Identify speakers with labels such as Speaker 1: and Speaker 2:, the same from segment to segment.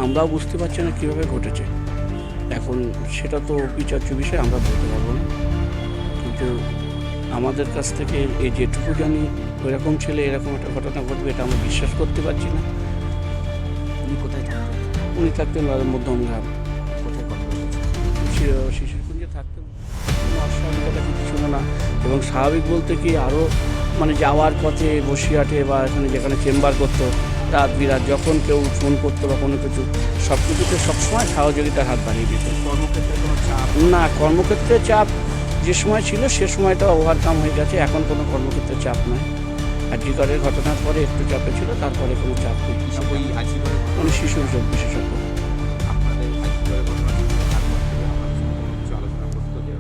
Speaker 1: আমরাও বুঝতে পারছি না কীভাবে ঘটেছে। এখন সেটা তো বিচার্য বিষয়, আমরা বলতে পারবো না। কিন্তু আমাদের কাছ থেকে এই যেটুকু জানি ওইরকম ছেলে এরকম একটা ঘটনা ঘটবে এটা আমরা বিশ্বাস করতে পারছি না।
Speaker 2: উনি কোথায় থাকতেন?
Speaker 1: উনি থাকতেন মধ্যমগ্রাম,
Speaker 2: কোথায় কথা বলেছেন?
Speaker 1: শিশুকুঞ্জে থাকতেন। কোনো অস্বাভাবিকতা কিছু ছিল না। এবং স্বাভাবিক বলতে কি আরও মানে যাওয়ার পথে বসিরহাটে বা এখানে যেখানে চেম্বার করতো রাত বিরাত যখন কেউ ফোন করতো বা কোনো কিছু সব কিছুতে সবসময় সহযোগিতার হাত বাড়িয়ে দিত।
Speaker 2: কর্মক্ষেত্রে কোনো চাপ?
Speaker 1: না, কর্মক্ষেত্রে চাপ যে সময় ছিল সে সময়টা ওভারকাম হয়ে গেছে, এখন কোনো কর্মক্ষেত্রে চাপ নয়। আর জিগরের ঘটনার পরে একটু চাপে ছিল, তারপরে কোনো চাপ নেই।
Speaker 2: ওই আজিগরের
Speaker 1: মানে শিশুর রোগ বিশেষজ্ঞ।
Speaker 2: আপনাদের আজিগরের ঘটনা তারপর থেকে আপনার সঙ্গে কিছু আলোচনা করতো যে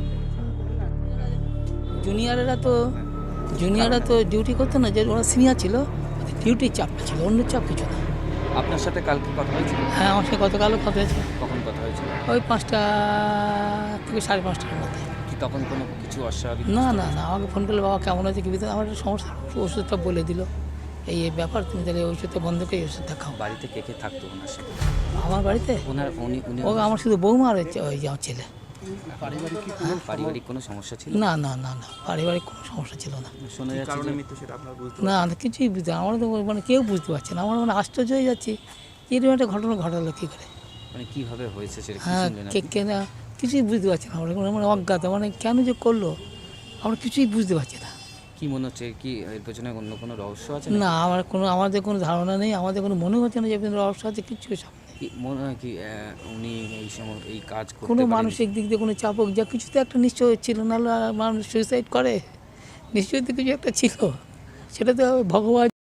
Speaker 3: জুনিয়ররা তো ডিউটি করতো না, যে ওরা সিনিয়র ছিল, ডিউটির চাপটা ছিল, অন্য চাপ কিছু না।
Speaker 2: আপনার সাথে কালকে কথা হয়েছিল?
Speaker 3: হ্যাঁ, আমার সাথে গতকালও কথা হয়েছে,
Speaker 2: কখন কথা হয়েছিল?
Speaker 3: ওই 5টা থেকে 5:30টার মধ্যে।
Speaker 2: কি তখন কোনো কিছু অস্বাভাবিক?
Speaker 3: না, আমাকে ফোন করলে বাবা কেমন আছে কি ভিতরে আমার একটা সমস্যা, ওষুধটা বলে দিল, এই ব্যাপার, তুমি তাহলে এই ওষুধটা বন্ধ করে এই ওষুধটা খাও।
Speaker 2: বাড়িতে কে কে থাকতো ওনার সাথে?
Speaker 3: আমার বাড়িতে
Speaker 2: উনি
Speaker 3: ও আমার শুধু বৌমা আর হচ্ছে ওই যে আমার ছেলে।
Speaker 2: পারিবারিক কোনো সমস্যা ছিল?
Speaker 3: না, পারিবারিক কোনো সমস্যা ছিল না।
Speaker 2: শোনা যাচ্ছে যে
Speaker 3: না, কিছুই বুঝতে, আমরা তো মানে কেউ বুঝতে পারছে না। আমরা মানে আশ্চর্য হয়ে যাচ্ছি, এরকম একটা ঘটনা ঘটালো কী করে।
Speaker 2: মানে কিভাবে হয়েছে সেটা কি
Speaker 3: হ্যাঁ,
Speaker 2: শুনলেন আপনি?
Speaker 3: কে না, কিছুই বুঝতে পারছি না আমরা, মানে অজ্ঞাত, মানে কেন যে করলো আমরা কিছুই বুঝতে পারছি না।
Speaker 2: কি মনে হচ্ছে, কি এর পেছনে অন্য কোনো রহস্য আছে?
Speaker 3: না, আমাদের কোনো ধারণা নেই, আমাদের কোনো মনে হচ্ছে না যে রহস্য আছে, কিছু সামনে
Speaker 2: কি মনে হয় কি উনি এই সময় এই কাজ করতে
Speaker 3: কোনো
Speaker 2: পারেন?
Speaker 3: মানসিক দিক দিয়ে কোনো চাপ হোক, যা কিছু তো একটা নিশ্চয় ছিল, নাহলে মানুষ সুইসাইড করে, নিশ্চয়ই তো কিছু একটা ছিল, সেটা তো ভগবান